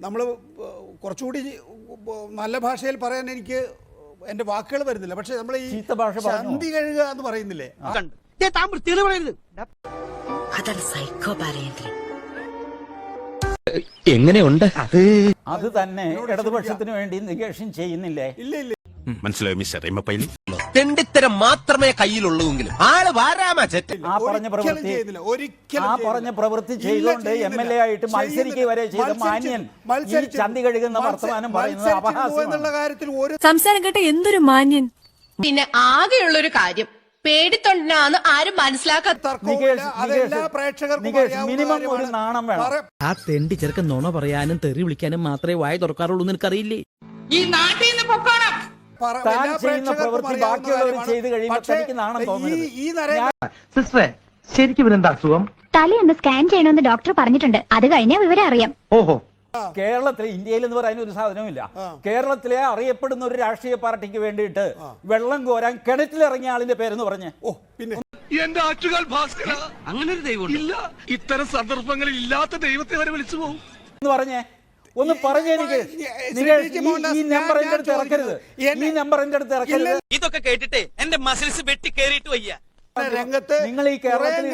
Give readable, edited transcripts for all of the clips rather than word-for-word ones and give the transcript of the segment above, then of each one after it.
നമ്മൾ കുറച്ചുകൂടി നല്ല ഭാഷയിൽ പറയാൻ എനിക്ക് എൻ്റെ വാക്കുകൾ വരുന്നില്ല. പക്ഷെ നമ്മൾ ഈ ചന്തി കഴുകുക എന്ന് പറയുന്നില്ലേ, എങ്ങനെയുണ്ട്? അത് തന്നെ ഇടതുപക്ഷത്തിന് വേണ്ടി നികേഷൻ ചെയ്യുന്നില്ലേ? ഇല്ല ഇല്ല, മനസ്സിലായോ മിസ്റ്റർ എമ്മപ്പയിൽ? തെണ്ടിത്തരം മാത്രമേ കയ്യിലുള്ളൂവെങ്കിലും ആള് വാരാമാ ചെറ്റ്. ആ പറഞ്ഞ പ്രവൃത്തി ചെയ്തുകൊണ്ട് MLA ആയിട്ട് മത്സരിക്കുക വരെ ചെയ്ത മാന്യൻ ഈ ചന്തി കഴുകുന്ന വർത്തമാനം പറയുന്നത് അപഹാസ്യമാണ്. സംസാരം കേട്ട എന്തൊരു മാന്യൻ. പിന്നെ ആകെയുള്ളൊരു കാര്യം പേടിത്തൊണ്ടാന്ന് ആരും മനസ്സിലാക്കാത്ത മിനിമം ഒരു നാണം വേണം. ആ തെണ്ടി ചെറുക്കൻ നുണ പറയാനും തെറി വിളിക്കാനും മാത്രമേ വായ തുറക്കാറുള്ളൂ എന്ന് എനിക്കറിയില്ലേ. ഈ നാട്ടിൽ നിന്ന് പൊക്കോണം. താൻ ചെയ്യുന്ന പ്രവൃത്തി ബാക്കിയുള്ളവർ ചെയ്ത് കഴിയുമ്പോൾ തനിക്ക് നാണം തോന്നുന്നത്. ശരിക്കും ഇവരെന്താ അസുഖം? തലയൊന്ന് സ്കാൻ ചെയ്യണമെന്ന് ഡോക്ടർ പറഞ്ഞിട്ടുണ്ട്. അത് കഴിഞ്ഞാൽ വിവരം അറിയാം. ഓഹോ, കേരളത്തിലെ ഇന്ത്യയിൽ എന്ന് പറയുന്ന ഒരു സാധനവുമില്ല. കേരളത്തിലെ അറിയപ്പെടുന്ന ഒരു രാഷ്ട്രീയ പാർട്ടിക്ക് വേണ്ടിയിട്ട് വെള്ളം കോരാൻ കിണറ്റിലിറങ്ങിയ ആളിന്റെ പേരെന്ന് പറഞ്ഞേ. പിന്നെ എന്റെ ആറ്റുകാൽ ഭാസ്കര, അങ്ങനെ ഒരു ദൈവം ഇല്ല. ഇത്തരം സന്ദർഭങ്ങളിൽ ഇല്ലാത്ത ദൈവത്തെ വരെ വിളിച്ചു പോകും എന്ന് പറഞ്ഞേ. ഒന്ന് പറഞ്ഞേ എനിക്ക്. ഈ നമ്പർ എന്റെ അടുത്ത് ഇറക്കരുത്, ഈ നമ്പർ എന്റെ അടുത്ത് ഇറക്കരുത്. ഇതൊക്കെ കേട്ടിട്ടേ എന്റെ മസിൽസ് വെട്ടി കേറിയിട്ട് വയ്യ. രംഗത്ത് നിങ്ങൾ ഈ കേരളത്തിൽ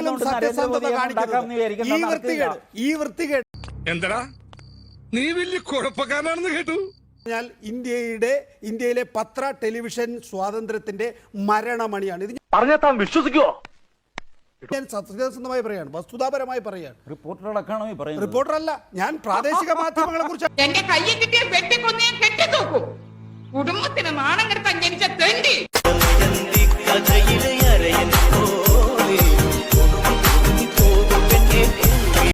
ഈ വൃത്തികേട് എന്താ നീ വലിയ കുഴപ്പക്കാരനാണെന്ന് കേട്ടു. ഇന്ത്യയിലെ പത്ര ടെലിവിഷൻ സ്വാതന്ത്ര്യത്തിന്റെ മരണമണിയാണ് ഇത്. പറഞ്ഞാൽ താൻ വിശ്വസിക്കുവോ? ഞാൻ സത്യസന്ധമായി പറയാണ്, വസ്തുതാപരമായി പറയാണ്. റിപ്പോർട്ടറടക്കമാണോ ഈ പറയുന്നത്? റിപ്പോർട്ടറല്ല, ഞാൻ പ്രാദേശിക മാധ്യമങ്ങളെ കുറിച്ച്. എന്റെ കയ്യിൽ കിട്ടിയ വെട്ടിക്കൊന്നേ കെട്ടിത്തൂക്കും. കുടുംബത്തിന് നാണം കെടുത്താൻ ജനിച്ച തെണ്ടി.